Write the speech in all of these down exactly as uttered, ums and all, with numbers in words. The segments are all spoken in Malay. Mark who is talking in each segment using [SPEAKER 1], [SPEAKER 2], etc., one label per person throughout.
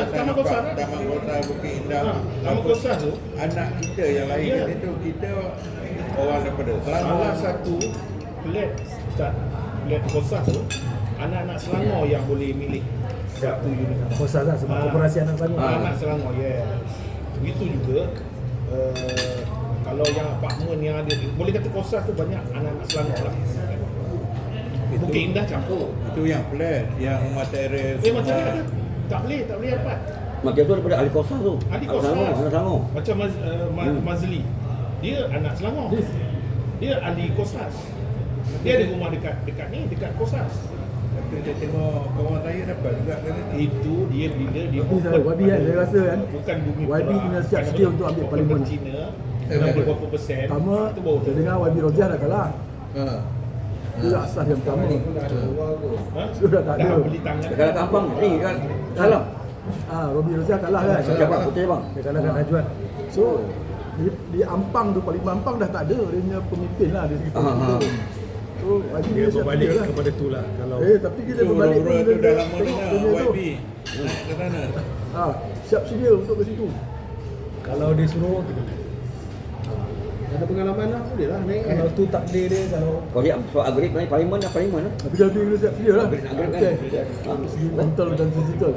[SPEAKER 1] Taman Kosas Taman Kosas Bukit Indah. Ha, Taman Kosas tu anak kita yang lahir kat situ, kita orang daripada Selangor. Salah satu flat start flat Kosas tu anak-anak Selangor yang boleh milik satu unit.
[SPEAKER 2] Kosas lah sebab korporasi anak Selangor.
[SPEAKER 1] Ha, anak Selangor, yes. Begitu juga uh, kalau yang apartmen yang ada, boleh kata Kosas tu banyak anak-anak Selangor lah. Bukit Indah campur. Itu yang flat, yang rumah teres. Eh macam mana? Tak boleh, tak boleh dapat.
[SPEAKER 3] Macam tu daripada ahli Kosas tu.
[SPEAKER 1] Ahli Kosas.
[SPEAKER 3] Anak Selangor.
[SPEAKER 1] Macam Maz, uh, Ma, hmm. Mazli. Dia anak Selangor. Dia ahli Kosas. Dia ada rumah dekat dekat ni, dekat Kosas. Tapi dia tengok kawan saya dapat juga kan. Itu dia bila dia
[SPEAKER 2] bukan Wabi kan, saya rasa kan.
[SPEAKER 1] Bukan bumi
[SPEAKER 2] Wabi kena siap sedia untuk ambil parlimen
[SPEAKER 1] Cina. Enam puluh berapa persen.
[SPEAKER 2] Pertama, saya dengar Wabi Roziah dah kalah. Ha. Dia tak asas yang pertama.
[SPEAKER 1] Ha?
[SPEAKER 2] Sudah tak ada.
[SPEAKER 1] Beli tangan.
[SPEAKER 3] Dekat Kampang ni kan. Salam.
[SPEAKER 2] Ah, Wabi Roziah kalah kan.
[SPEAKER 3] Siapa bang? Putih bang.
[SPEAKER 2] Dia kalah kat Najwan. So, di, di Ampang tu, Parlimen Ampang dah tak ada. Dia punya pemimpin lah di situ. So,
[SPEAKER 4] dia berbalik lah kepada tu lah. Kalau
[SPEAKER 2] eh, tapi kita berbalik
[SPEAKER 1] pun dia dah lama dengar Y B. Naik ke sana.
[SPEAKER 2] Ah, siap sedia untuk ke situ.
[SPEAKER 4] kalau dia suruh kita
[SPEAKER 5] ada pengalaman lah, boleh lah naik.
[SPEAKER 4] kalau tu takdir dia, kalau
[SPEAKER 3] Kau lihat soal agrik ni parlimen lah parlimen lah.
[SPEAKER 2] Tapi kalau tu kita siap sedia lah.
[SPEAKER 3] Agrik nak agrik
[SPEAKER 2] Okay.
[SPEAKER 3] kan.
[SPEAKER 2] Segi mental dan fizikal.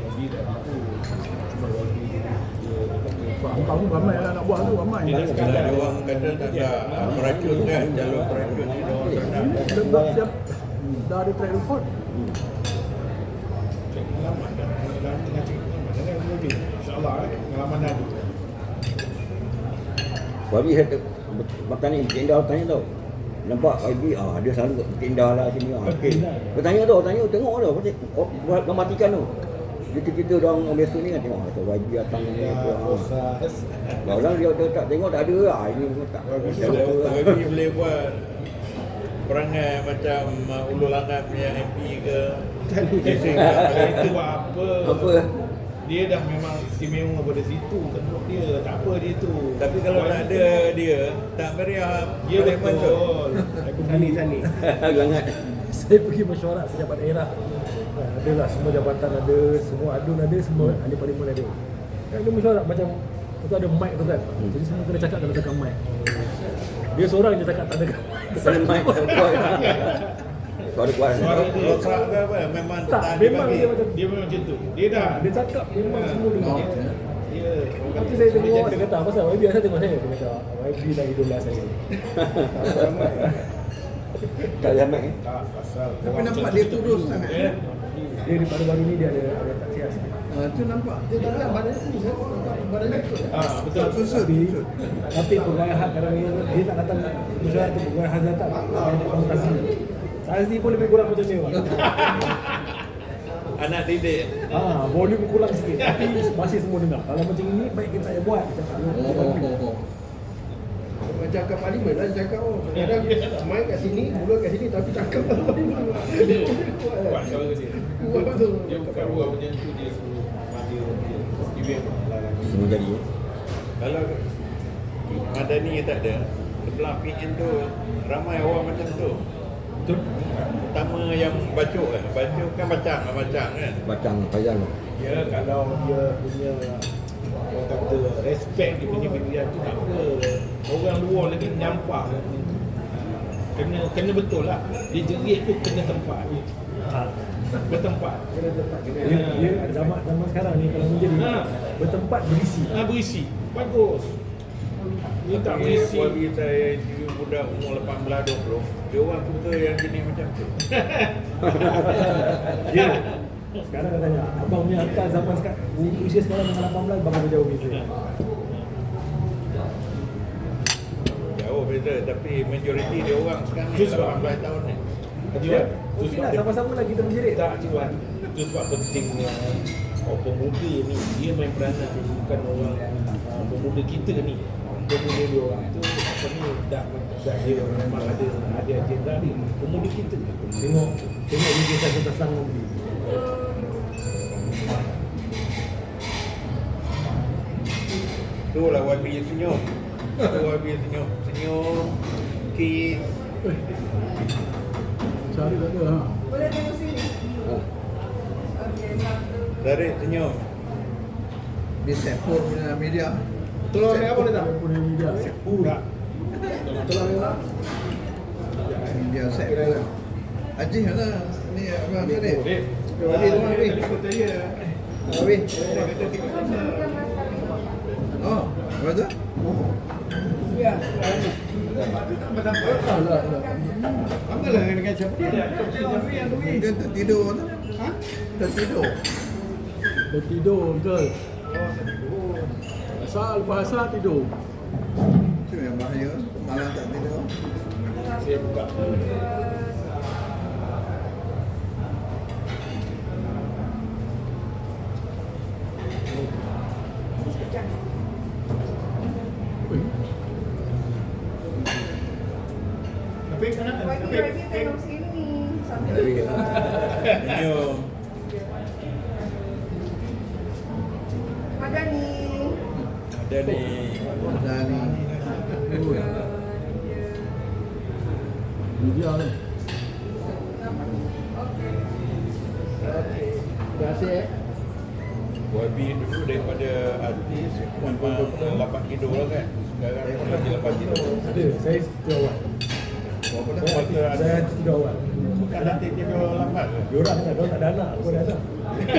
[SPEAKER 2] Pak Ampang tu ramai lah nak buat tu, ramai.
[SPEAKER 1] Kalau ada orang kata tak ada meracun kan, jalur meracun ni dia orang tak nak.
[SPEAKER 2] Dah dah siap. Dah ada track record.
[SPEAKER 1] Cek pengalaman dah. Dah tengah cek pengalaman. Jangan lebih. InsyaAllah eh, pengalaman dah ada.
[SPEAKER 3] Wabi saya bertanya, Bukit Indah tanya tau. Nampak Y B, ah dia selalu kat Bukit Indah lah sini. Ah, okey. Bertanya tu, tanya tengok tu, macam oh, buat mematikan tu. Kita-kita orang orang biasa ni kan tengok atau Y B datang ni apa. Ah. Orang dia tak, tak tengok tak ada lah. Ini pun tak.
[SPEAKER 1] Kalau Y B boleh buat perangai macam uh, Ulu Langat punya M P ke. Itu buat apa?
[SPEAKER 3] Apa?
[SPEAKER 1] Dia dah memang istimewa pada situ, tentu dia tak apa dia tu.
[SPEAKER 6] Tapi kalau tak ada dia, tak meriah.
[SPEAKER 1] Dia betul.
[SPEAKER 5] Sani-sani.
[SPEAKER 3] Langat.
[SPEAKER 4] saya pergi mesyuarat pejabat daerah. Adalah semua jabatan ada, semua adun ada, semua ahli parlimen ada. Kan dia mesyuarat macam tu ada mic tu kan. Jadi semua kena cakap dalam tekan mic. Dia seorang je cakap tak ada
[SPEAKER 3] Kesan mic kuat. Suara kuat.
[SPEAKER 1] Suara dia
[SPEAKER 6] Rosak ke apa? Memang
[SPEAKER 4] tak,
[SPEAKER 6] tak
[SPEAKER 4] memang
[SPEAKER 6] dibagi.
[SPEAKER 4] dia macam
[SPEAKER 1] dia memang macam tu. Dia dah
[SPEAKER 4] dia cakap memang semua dengar.
[SPEAKER 1] dia
[SPEAKER 4] Tapi saya tengok dia kata pasal Y B saya tengok saya dia kata Y B dah idola saya.
[SPEAKER 3] Tak ada mic eh.
[SPEAKER 1] tak pasal.
[SPEAKER 5] Tapi nampak dia kurus sangat.
[SPEAKER 1] Eh,
[SPEAKER 4] Dia di baru-baru ni dia ada ada tak sihat sikit.
[SPEAKER 5] Ah, tu nampak. Dia tak ada badannya kurus kan. Badannya kurus.
[SPEAKER 1] ah betul.
[SPEAKER 5] Susut.
[SPEAKER 4] Tapi, tapi pegawai hak kadang dia, dia tak datang mesyuarat tu pegawai hak datang banyak orang Tazi. Tazi pun lebih kurang macam dia. Bang.
[SPEAKER 6] Anak didik.
[SPEAKER 4] Ah, volume kurang sikit tapi masih semua dengar. Kalau macam ini baik kita tak payah buat. Kita tak payah.
[SPEAKER 5] Cakap parlimen lah, cakap oh kadang main kat sini, mula kat sini tapi cakap parlimen.
[SPEAKER 1] Kuat suara dia.
[SPEAKER 5] Kuat betul.
[SPEAKER 1] Dia bukan buat macam tu, dia suruh dia dia istimewa lah.
[SPEAKER 3] Semua jadi. eh.
[SPEAKER 6] Kalau Madani tak ada, sebelah P N tu ramai orang macam tu.
[SPEAKER 4] Betul?
[SPEAKER 6] Pertama yang bacuk kan, bacuk kan bacang lah bacang kan.
[SPEAKER 3] Bacang payang.
[SPEAKER 1] Ya, kalau dia punya orang kata respect dia punya pilihan tu tak apa. Orang luar lagi menyampah. Kena kena betul lah. Dia jerit tu kena tempat.
[SPEAKER 4] Ha.
[SPEAKER 1] Bertempat.
[SPEAKER 4] Kena tempat. Dia, dia zaman zaman sekarang ni kalau menjadi
[SPEAKER 1] Ha.
[SPEAKER 4] bertempat berisi.
[SPEAKER 1] Ah berisi. Bagus. Dia tak
[SPEAKER 6] Tapi
[SPEAKER 1] berisi.
[SPEAKER 6] bagi saya juga budak umur lapan belas dua puluh, dia orang suka yang jenis macam tu.
[SPEAKER 4] Ya. Sekarang katanya abang punya angkat zaman sekarang usia sekarang dengan lapan belas bagaimana jauh beza.
[SPEAKER 6] Jauh beza, tapi majoriti dia orang sekarang ni
[SPEAKER 1] Itu sebab
[SPEAKER 6] lapan belas tahun ni.
[SPEAKER 1] Tujuan. Tu
[SPEAKER 4] Okey
[SPEAKER 1] sebab
[SPEAKER 4] lah,
[SPEAKER 1] dia-
[SPEAKER 4] sama-sama lagi kita menjerit.
[SPEAKER 1] tak cuan. Itu sebab pentingnya oh, pemuda ni dia main peranan, bukan orang uh, pemuda kita ni. Pemuda dia orang tu apa ni dah dah dia memang ada ada agenda ni. Pemuda kita ni.
[SPEAKER 4] Tengok tengok video saya tentang Selangor ni.
[SPEAKER 6] Tu lah Y B senyum. Tu Y B senyum. Senyum. Kiss.
[SPEAKER 2] Cari tak ada ha.
[SPEAKER 7] Boleh tengok sini.
[SPEAKER 3] Ha.
[SPEAKER 7] Okey, satu.
[SPEAKER 6] Tarik senyum.
[SPEAKER 5] Dia sepur punya media.
[SPEAKER 1] Tolong saya apa boleh tak?
[SPEAKER 2] Punya media.
[SPEAKER 1] Budak.
[SPEAKER 5] Tolong dia. Media sepur. Haji mana? Ni abang ni.
[SPEAKER 1] Dek.
[SPEAKER 5] Abi tu Abi. Abi. Oh, apa tu? Ya.
[SPEAKER 6] Apa lah dengan siapa?
[SPEAKER 5] Dia tertidur tu. Ha? Tertidur.
[SPEAKER 2] Dia tidur betul. Asal lepas asal tidur.
[SPEAKER 5] Itu yang bahaya. Malam tak tidur.
[SPEAKER 1] Saya buka.
[SPEAKER 7] Pagi-pagi tengok sini sambil
[SPEAKER 6] Senyum.
[SPEAKER 7] ada ni.
[SPEAKER 6] Ada ni.
[SPEAKER 5] Dan ni.
[SPEAKER 2] Media tu.
[SPEAKER 5] Terima kasih eh.
[SPEAKER 6] Y B dulu daripada artis memang lapan tidur lah kan. Sekarang lagi lapan tidur.
[SPEAKER 4] Ada, saya tidur awal.
[SPEAKER 6] Berapa dah?
[SPEAKER 4] Saya,
[SPEAKER 6] Kuarter
[SPEAKER 4] saya
[SPEAKER 6] ada.
[SPEAKER 4] tidur awal.
[SPEAKER 6] Bukan nanti tidur lapan ke?
[SPEAKER 4] Diorang kan, diorang tak ada anak, aku ada anak.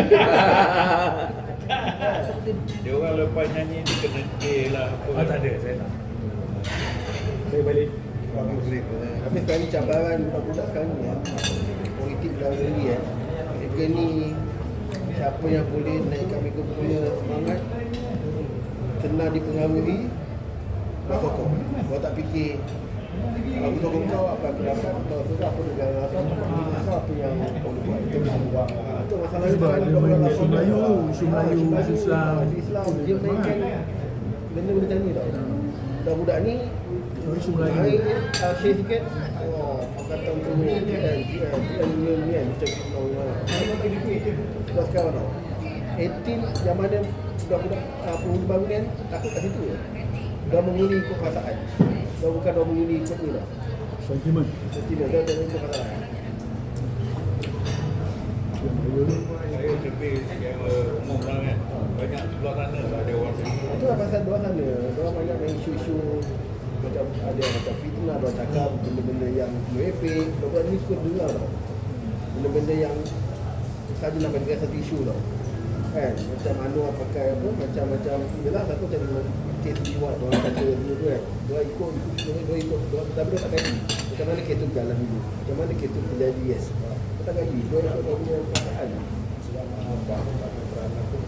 [SPEAKER 6] Dia orang lepas nyanyi dia kena K lah apa.
[SPEAKER 4] Ah, tak ada, saya tak. Saya balik.
[SPEAKER 5] Bagus grip. Tapi sekarang ni cabaran budak-budak sekarang ni ya. Politik dalam negeri ya. Mereka ni siapa yang boleh naikkan mereka punya semangat, kena dipengaruhi, bersokong. Kau tak fikir kalau aku sokong kau apa aku dapat, atau sudah apa negara asal, apa apa yang kau boleh buat. Itu buang. Itu masalah
[SPEAKER 2] Sebab
[SPEAKER 5] sekarang
[SPEAKER 2] dia
[SPEAKER 5] budak-budak
[SPEAKER 2] main isu
[SPEAKER 5] lapan
[SPEAKER 2] Melayu,
[SPEAKER 5] belas.
[SPEAKER 2] isu Melayu,
[SPEAKER 5] Ah,
[SPEAKER 2] isu Islam.
[SPEAKER 5] isu Islam. Dia mainkan benda-benda macam ni tau. Budak-budak ni
[SPEAKER 2] Isu Melayu.
[SPEAKER 5] Hari ni uh, share sikit. Oh, pakatan tu ni kan, kan, kan, ni ni kan macam tu mana. Sudah sekarang tau. lapan yang mana budak-budak uh, penghuni baru ni kan takut kat situ je. Dah mengundi ikut perasaan. Dah bukan dah mengundi ikut ni dah.
[SPEAKER 2] Sentimen.
[SPEAKER 5] Sentimen dah dah ikut perasaan.
[SPEAKER 2] Yang Melayu tu.
[SPEAKER 6] Saya lebih secara umum lah kan. Banyak sebelah sana lah ada orang sini.
[SPEAKER 5] Itu lah pasal dua sana. Diorang banyak main isu-isu macam ada yang macam fitnah, diorang cakap benda-benda yang merepek. Diorang ni suka dengar tau. Benda-benda yang saja nak bagi satu isu tau. Kan, macam Anwar pakai apa, macam-macam. Yelah, satu macam kes jiwa, diorang kata dulu tu kan. Diorang ikut, ikut, diorang ikut, diorang, tapi diorang tak gaji. Macam mana kes tu berjalan dulu. Macam mana kes tu terjadi, yes. Diorang tak gaji, diorang ikut diorang punya perasaan.
[SPEAKER 1] Selama apa tak peranan tu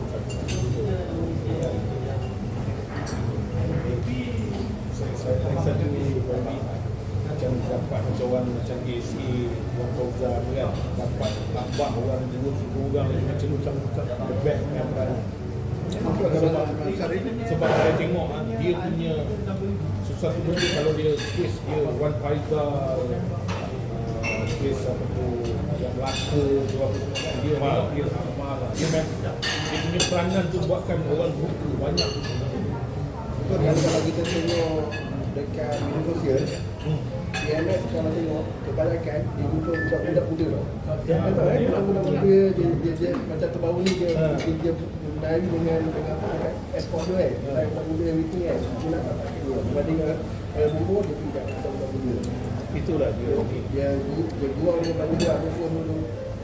[SPEAKER 1] maybe saya saya saya satu maybe macam dapat macam orang macam A C A, orang program kan dapat tambah orang dua puluh orang lagi macam tu macam macam the best yang peranan. Sebab, sebab saya tengok ah, dia punya sesuatu benda kalau dia case dia Wan Faizal uh, case apa tu yang Melaka tu apa semua kan, dia
[SPEAKER 6] Amal.
[SPEAKER 1] dia amal lah. Dia memang dia punya peranan tu buatkan orang buka banyak.
[SPEAKER 5] Betul kan kalau kita tengok dekat media sosial, P M S kalau tengok kebanyakan dia jumpa budak-budak muda tau. Dia kata eh budak-budak muda dia, dia, dia macam terbaru ni dia
[SPEAKER 1] Ha.
[SPEAKER 5] dia, dia menari dengan dengan apa kan ekspor tu kan. Budak budak muda everything kan. Dia nak tak kira berbanding dengan orang bumbu dia tidak budak muda.
[SPEAKER 1] Itulah dia.
[SPEAKER 5] Dia dia buang dengan budak muda dulu.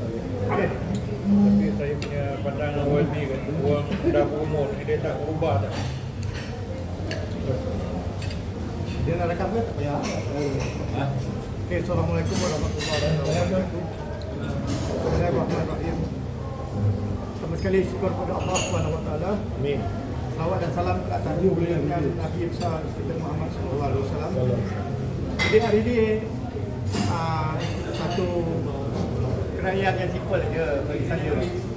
[SPEAKER 6] Tapi saya punya pandangan Y B kan, orang dah berumur ni dia tak berubah dah.
[SPEAKER 5] Dia nak rekam ke tak payah.
[SPEAKER 6] Ha?
[SPEAKER 5] Okey, assalamualaikum warahmatullahi wabarakatuh. Bismillahirrahmanirrahim. Pertama sekali syukur kepada Allah Subhanahu Wa Taala.
[SPEAKER 1] Amin.
[SPEAKER 5] Salawat dan salam ke atas junjungan Nabi besar kita Muhammad sallallahu alaihi wasallam. Jadi hari ini uh, satu kerajaan yang simple je bagi saya.